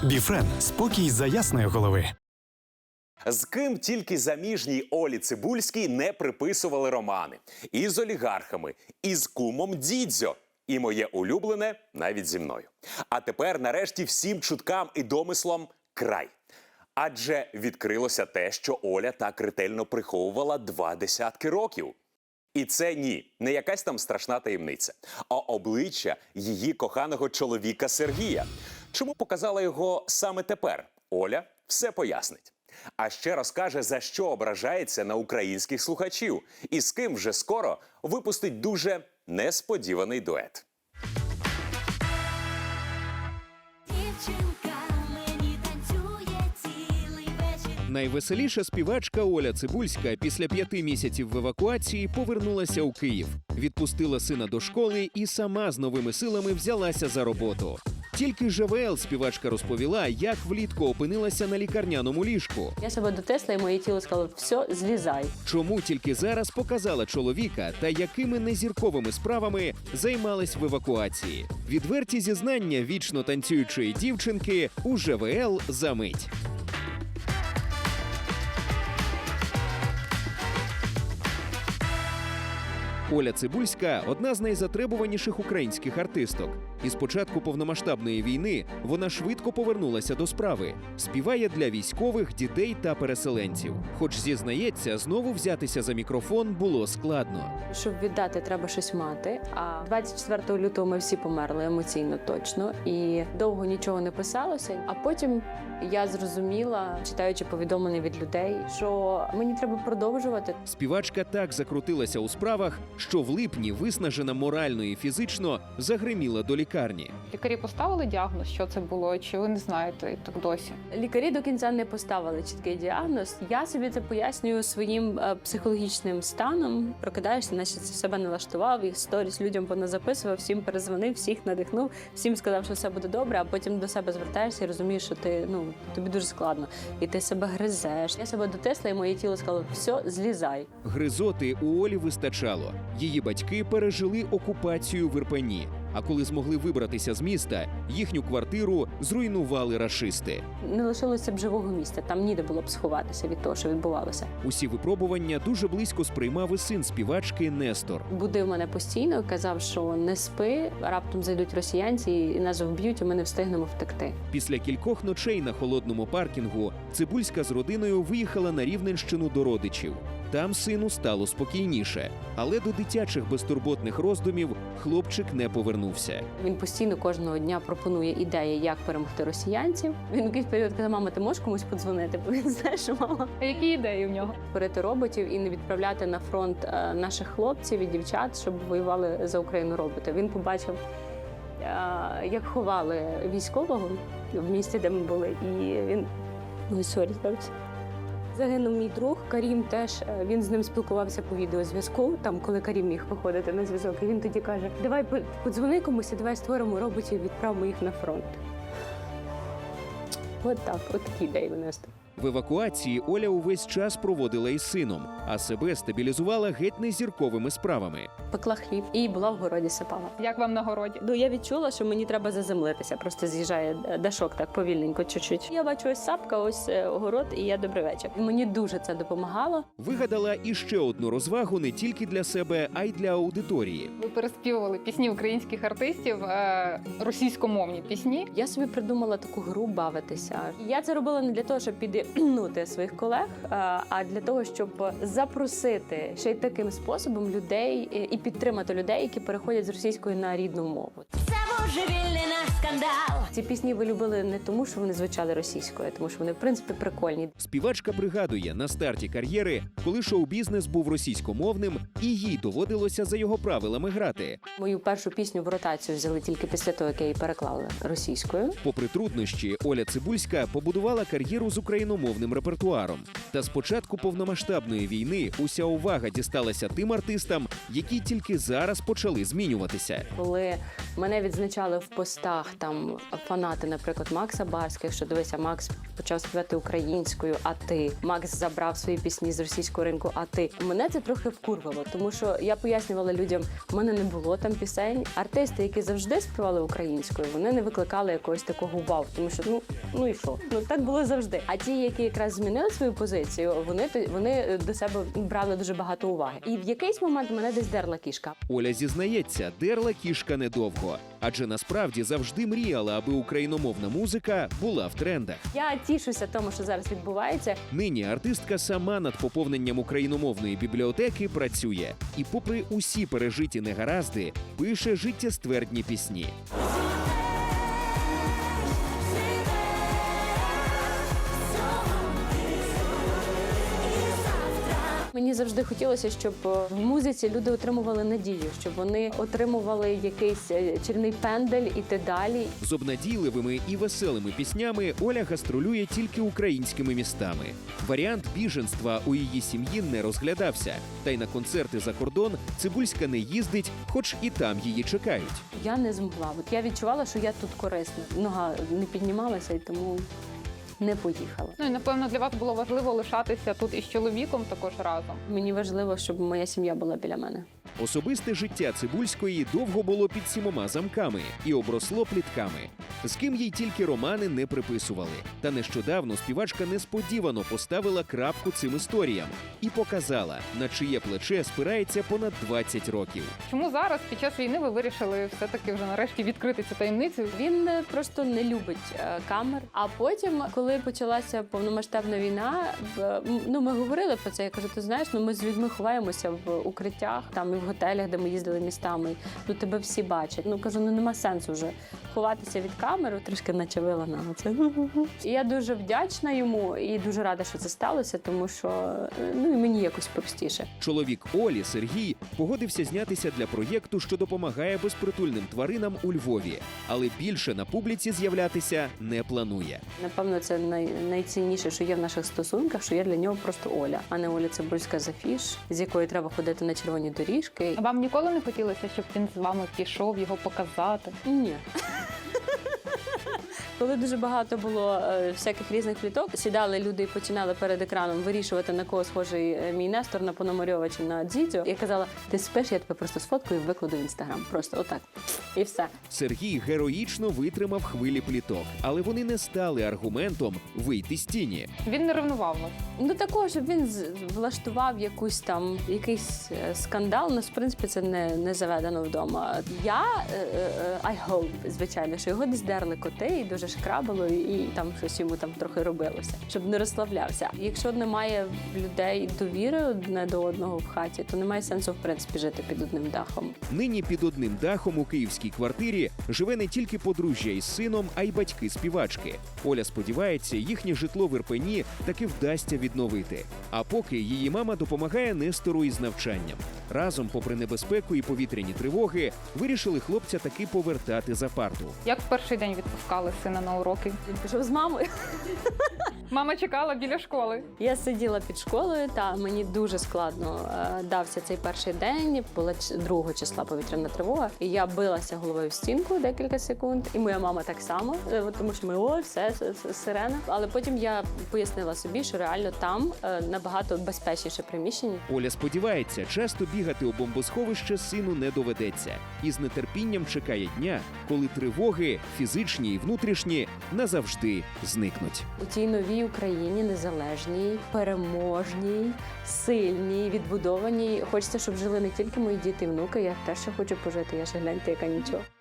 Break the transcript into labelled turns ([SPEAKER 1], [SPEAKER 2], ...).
[SPEAKER 1] Біфрен – спокій за ясної голови.
[SPEAKER 2] З ким тільки заміжній Олі Цибульській не приписували романи. І з олігархами, і з кумом Дідзьо. І моє улюблене навіть зі мною. А тепер нарешті всім чуткам і домислам край. Адже відкрилося те, що Оля так ретельно приховувала 20 років. І це не якась там страшна таємниця, а обличчя її коханого чоловіка Сергія. Чому показала його саме тепер? Оля все пояснить. А ще розкаже, за що ображається на українських слухачів і з ким вже скоро випустить дуже несподіваний дует.
[SPEAKER 3] Найвеселіша співачка Оля Цибульська після 5 місяців в евакуації повернулася у Київ, відпустила сина до школи і сама з новими силами взялася за роботу. Тільки ЖВЛ співачка розповіла, як влітку опинилася на лікарняному ліжку.
[SPEAKER 4] Я себе дотисла, і моє тіло сказало: все, злізай.
[SPEAKER 3] Чому тільки зараз показала чоловіка та якими незірковими справами займалась в евакуації. Відверті зізнання вічно танцюючої дівчинки у ЖВЛ за мить. Оля Цибульська – одна з найзатребуваніших українських артисток. Із початку повномасштабної війни вона швидко повернулася до справи. Співає для військових, дітей та переселенців. Хоч, зізнається, знову взятися за мікрофон було складно.
[SPEAKER 4] Щоб віддати, треба щось мати. А 24 лютого ми всі померли емоційно точно. І довго нічого не писалося. А потім я зрозуміла, читаючи повідомлення від людей, що мені треба продовжувати.
[SPEAKER 3] Співачка так закрутилася у справах, що в липні, виснажена морально і фізично, загриміла до лікарні.
[SPEAKER 5] Лікарі поставили діагноз, що це було, чи ви не знаєте і так досі?
[SPEAKER 4] Лікарі до кінця не поставили чіткий діагноз. Я собі це пояснюю своїм психологічним станом. Прокидаєшся, наче це себе налаштував, і сторіс людям поназаписував, всім перезвонив, всіх надихнув, всім сказав, що все буде добре, а потім до себе звертаєшся і розумієш, що тобі дуже складно. І ти себе гризеш. Я себе дотисла, і моє тіло сказало: все, злізай.
[SPEAKER 3] Гризоти у Олі вистачало. Її батьки пережили окупацію в Ірпені. А коли змогли вибратися з міста, їхню квартиру зруйнували рашисти.
[SPEAKER 4] Не лишилося б живого місця, там ніде було б сховатися від того, що відбувалося.
[SPEAKER 3] Усі випробування дуже близько сприймав і син співачки Нестор.
[SPEAKER 4] Будив мене постійно, казав, що не спи, раптом зайдуть росіянці і нас вб'ють, і ми не встигнемо втекти.
[SPEAKER 3] Після кількох ночей на холодному паркінгу Цибульська з родиною виїхала на Рівненщину до родичів. Там сину стало спокійніше, але до дитячих безтурботних роздумів хлопчик не повернувся.
[SPEAKER 4] Він постійно кожного дня пропонує ідеї, як перемогти росіянців. Він в якийсь період казав: мама, ти можеш комусь подзвонити? Бо він знає, що мама.
[SPEAKER 5] А які ідеї в нього?
[SPEAKER 4] Створити роботів і не відправляти на фронт наших хлопців і дівчат, щоб воювали за Україну роботи. Він побачив, як ховали військового в місті, де ми були, і він... Загинув мій друг, Карім теж, він з ним спілкувався по відеозв'язку, там, коли Карім міг виходити на зв'язок. І він тоді каже: давай подзвони комусь, давай створимо роботів, відправимо їх на фронт. От так, от такі ідеї винести.
[SPEAKER 3] В евакуації Оля увесь час проводила із сином, а себе стабілізувала геть незірковими справами.
[SPEAKER 4] Пекла хліб і була в городі, сапала.
[SPEAKER 5] Як вам на городі?
[SPEAKER 4] Я відчула, що мені треба заземлитися, просто з'їжджає дашок так повільненько, чуть-чуть. Я бачу, ось сапка, ось огород, і я добрий вечір. Мені дуже це допомагало.
[SPEAKER 3] Вигадала іще одну розвагу не тільки для себе, а й для аудиторії.
[SPEAKER 5] Ви переспівували пісні українських артистів, російськомовні пісні.
[SPEAKER 4] Я собі придумала таку гру бавитися. Я це робила не для того, щоб підігнути своїх колег, а для того, щоб запросити ще й таким способом людей і підтримати людей, які переходять з російської на рідну мову.
[SPEAKER 6] Це божевільний наш скандал.
[SPEAKER 4] Ці пісні ви любили не тому, що вони звучали російською, а тому що вони, в принципі, прикольні.
[SPEAKER 3] Співачка пригадує, на старті кар'єри, коли шоу-бізнес був російськомовним, і їй доводилося за його правилами грати.
[SPEAKER 4] Мою першу пісню в ротацію взяли тільки після того, як я її переклала російською.
[SPEAKER 3] Попри труднощі, Оля Цибульська побудувала кар'єру з україномовним репертуаром. Та з початку повномасштабної війни уся увага дісталася тим артистам, які тільки зараз почали змінюватися.
[SPEAKER 4] Коли Мене відзначали в постах там фанати, наприклад, Макса Барських, що дивися, Макс почав співати українською, а ти. Макс забрав свої пісні з російського ринку, а ти. Мене це трохи вкурвало, тому що я пояснювала людям, в мене не було там пісень. Артисти, які завжди співали українською, вони не викликали якогось такого вау, тому що ну і що? Ну так було завжди. А ті, які якраз змінили свою позицію, вони до себе брали дуже багато уваги. І в якийсь момент мене десь дерла кішка.
[SPEAKER 3] Оля зізнається, дерла кішка недовго, адже насправді завжди мріяла, аби україномовна музика була в трендах.
[SPEAKER 4] Я тішуся тому, що зараз відбувається.
[SPEAKER 3] Нині артистка сама над поповненням україномовної бібліотеки працює. І попри усі пережиті негаразди, пише життєствердні пісні.
[SPEAKER 4] Мені завжди хотілося, щоб в музиці люди отримували надію, щоб вони отримували якийсь чарівний пендель, іти далі.
[SPEAKER 3] З обнадійливими і веселими піснями Оля гастролює тільки українськими містами. Варіант біженства у її сім'ї не розглядався. Та й на концерти за кордон Цибульська не їздить, хоч і там її чекають.
[SPEAKER 4] Я не змогла. От я відчувала, що я тут корисна. Нога не піднімалася, і тому не поїхала.
[SPEAKER 5] Ну і напевно для вас було важливо лишатися тут із чоловіком також разом.
[SPEAKER 4] Мені важливо, щоб моя сім'я була біля мене.
[SPEAKER 3] Особисте життя Цибульської довго було під 7 замками і обросло плітками. З ким їй тільки романи не приписували. Та нещодавно співачка несподівано поставила крапку цим історіям і показала, на чиє плече спирається понад 20 років.
[SPEAKER 5] Чому зараз, під час війни, ви вирішили все-таки вже нарешті відкрити цю таємницю?
[SPEAKER 4] Він просто не любить камер. А потім, коли почалася повномасштабна війна, ми говорили про це. Я кажу, ти знаєш, ми з людьми ховаємося в укриттях, там і в готелях, де ми їздили містами. Тебе всі бачать. Кажу, нема сенсу вже ховатися від камери. Трішки начавила на це. І я дуже вдячна йому і дуже рада, що це сталося, тому що і мені якось простіше.
[SPEAKER 3] Чоловік Олі, Сергій, погодився знятися для проєкту, що допомагає безпритульним тваринам у Львові. Але більше на публіці з'являтися не планує.
[SPEAKER 4] Напевно, це найцінніше, що є в наших стосунках, що я для нього просто Оля, а не Оля Цибульська з афіш, з якою треба ходити на червоні доріжки.
[SPEAKER 5] А вам ніколи не хотілося, щоб він з вами пішов, його показати?
[SPEAKER 4] Ні. Коли дуже багато було всяких різних пліток, сідали люди і починали перед екраном вирішувати, на кого схожий мій Нестор, на Пономарьова чи на Дзідзю. Я казала, ти спиш, я тебе просто сфоткаю і викладу в Інстаграм. Просто отак. І все.
[SPEAKER 3] Сергій героїчно витримав хвилі пліток, але вони не стали аргументом вийти з тіні.
[SPEAKER 5] Він не ревнував вас?
[SPEAKER 4] Такого, щоб він влаштував якийсь скандал, в принципі, це не заведено вдома. Я, I hope, звичайно, що його десь дерли коти і дуже шкрабало, і там щось йому там трохи робилося, щоб не розслаблявся. Якщо немає людей довіри одне до одного в хаті, то немає сенсу, в принципі, жити під одним дахом.
[SPEAKER 3] Нині під одним дахом у київській квартирі живе не тільки подружжя із сином, а й батьки співачки. Оля сподівається, їхнє житло в Ірпені таки вдасться відновити. А поки її мама допомагає Нестору із навчанням. Разом, попри небезпеку і повітряні тривоги, вирішили хлопця таки повертати за парту.
[SPEAKER 5] Як в перший день відпускали сина на уроки?
[SPEAKER 4] Він пішов з мамою.
[SPEAKER 5] Мама чекала біля школи.
[SPEAKER 4] Я сиділа під школою, та мені дуже складно дався цей перший день. Була 2 числа повітряна тривога, і я билася головою в стінку декілька секунд, і моя мама так само, тому що ми все сирена. Але потім я пояснила собі, що реально там набагато безпечніше приміщення.
[SPEAKER 3] Оля сподівається, часто бігати у бомбосховище сину не доведеться. І з нетерпінням чекає дня, коли тривоги, фізичні і внутрішні, назавжди зникнуть.
[SPEAKER 4] У тій новій Україні, незалежній, переможній, сильній, відбудованій. Хочеться, щоб жили не тільки мої діти і внуки, я теж ще хочу пожити, я ще гляньте, яка нічого.